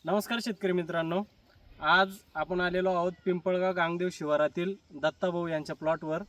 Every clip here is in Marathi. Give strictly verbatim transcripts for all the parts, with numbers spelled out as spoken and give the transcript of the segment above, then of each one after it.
नमस्कार शेतकरी मित्रांनो, आज आपण आलेलो आहोत पिंपळगाव गांगदेव शिवारातील दत्ताभाऊ यांच्या प्लॉटवर.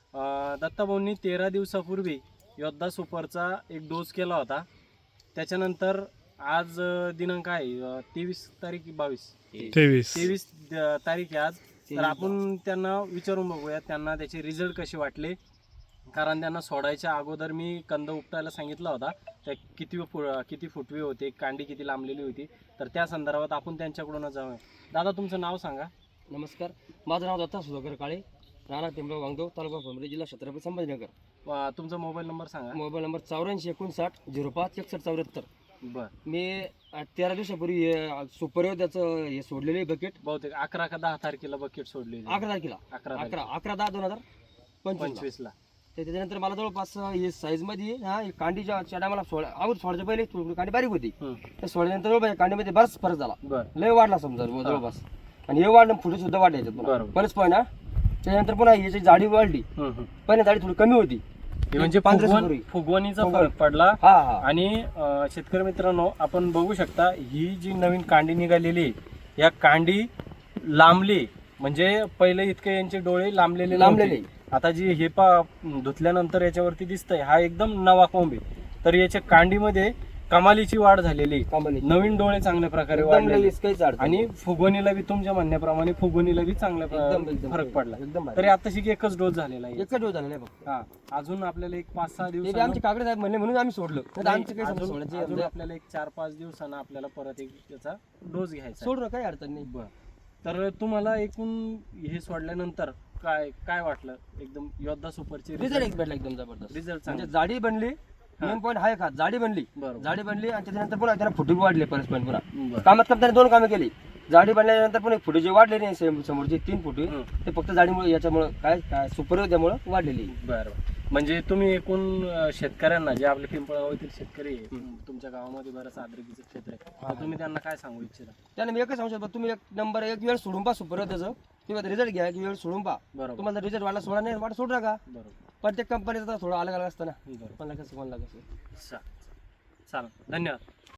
अ, दत्ताभाऊंनी तेरा दिवसापूर्वी योद्धा सुपरचा एक डोस केला होता. त्याच्यानंतर आज अ, दिनांक आहे तेवीस तारीख बावीस तेवीस तेवीस तारीख आहे आज. तर आपण त्यांना विचारून बघूया त्यांना त्याचे रिझल्ट कसे वाटले, कारण त्यांना सोडायच्या अगोदर मी कंद उपटायला सांगितला होता. त्या किती फु किती फुटवे होते, कांडी किती लांबलेली होती, तर त्या संदर्भात आपण त्यांच्याकडूनच जाऊया. दादा, तुमचं नाव सांगा. नमस्कार, माझं नाव दत्ता सुधाकर काळे, राणा पिंपळगाव गांगदेव, तालुका फुलंब्री, जिल्हा छत्रपती संभाजीनगर. अ, तुमचा मोबाईल नंबर सांगा. मोबाईल नंबर चौऱ्याऐंशी एकोणसाठ झिरो पाच एकसष्ट चौऱ्याहत्तर. बर, मी अ, तेरा दिवसापूर्वी हे सुपर त्याचं हे सोडलेलं आहे बकेट. बहुतेक अकरा का दहा तारखेला बकेट सोडली होती. अकरा तारखेला अकरा अकरा अकरा दहा दोन हजार पंचवीस. पंचवीस ला. त्याच्यानंतर मला जवळपास हे साईजमध्ये हा हे कांडीच्या चढा मला सोड अगोदर सोडायच्या पहिले थोडी कांडी बारीक होती. हम्म. त्या सोडल्यानंतर जवळपास कांडीमध्ये बराच फरक झाला, बर लय वाढला समजा जवळपास. आणि हे वाढलं फुटे सुद्धा वाढले याच्यात पुन्हा. बरोबर. बरेच पण ना त्याच्यानंतर पुन्हा याची जाडी वाढली. हम्म, हम्म. पहिल्या जाडी थोडी कमी होती. हे म्हणजे पंधरा फुगवण- दिवसापूर्वी. फुगवणीचा फुगवण. फरक पडला. हा हा आणि अ, शेतकरी मित्रांनो, आपण बघू शकता ही जी नवीन कांडी निघालेली आहे, या कांडी लांबली, म्हणजे पहिले इतके यांचे डोळे लांबलेले लांबलेले. नव्हते. आता जी हे पा धुतल्यानंतर याच्यावरती दिसतंय, हा एकदम नवा कोंब आहे. तर याच्या कांडीमध्ये कमालीची वाढ झालेली आहे. कामाली. नवीन डोळे चांगल्या प्रकारे एकदम वाढलेले लगेच काहीच अडचण आणि नाही. फुगवणीला बी तुमच्या म्हणण्याप्रमाणे फुगवणीला बी चांगल्या एकदम प्र- एकदम फरक पडला. एकदम भारी. तरी आताशी एकच डोस झालेला आहे. एकच दिवस झाला नाही फक्त. हा, अजून आपल्याला एक पाच सहा ते बी दिवस आमचे काकडे साहेब म्हणले म्हणून आम्ही सोडलं. नाही तर आमचं काही समजा सोडायची अजून समजा आपल्याला एक चार पाच दिवसानं आपल्याला परत एक त्याचा डोस घ्यायचा आहे. सोडलं काही अडचण नाही. बर, तर तुम्हाला एकूण हे सोडल्यानंतर काय काय वाटलं? एकदम योद्धा सुपरची रिझल्ट एक भेटला एकदम जबरदस्त. रिझल्ट म्हणजे चांगले. जाडी बनली, मेन पॉईंट आहे का जाडी बनली. बरोबर. जाडी बनली आणि त्याच्यानंतर पुन्हा त्याला फुटे वाढले परत पण पुन्हा बर. कामात काम त्याने दोन कामं केली. जाडी बनल्यानंतर पुन्हा फुटे जे वाढले नाही सेम- समोरचे तीन फुटे हं. ते फक्त जाडीमुळे याच्यामुळे काय काय सुपर त्यामुळे वाढलेली. बरं, म्हणजे तुम्ही एकूण अं, शेतकऱ्यांना, जे आपले पिंपळगावातील शेतकरी आहे, तुमच्या गावामध्ये बरंच आद्रकीचं क्षेत्र आहे, तर तुम्ही त्यांना काय सांगू इच्छिता? त्याने मी एकच सांगू शकतो, तुम्ही एक नंबर एक वेळ सोडून पहा सुपर त्याचं किंवा रिझल्ट घ्या की वेळ सोडून पहा. बरोबर तुम्हाला रिझल्ट वाढला सोडा नाही वाट सोडू नका. बरोबर प्रत्येक कंपनीचा थोडं अलग अलग असतं ना, बरोबर. कोणाला कसं कोणाला कसं. चा- चालेल, धन्यवाद.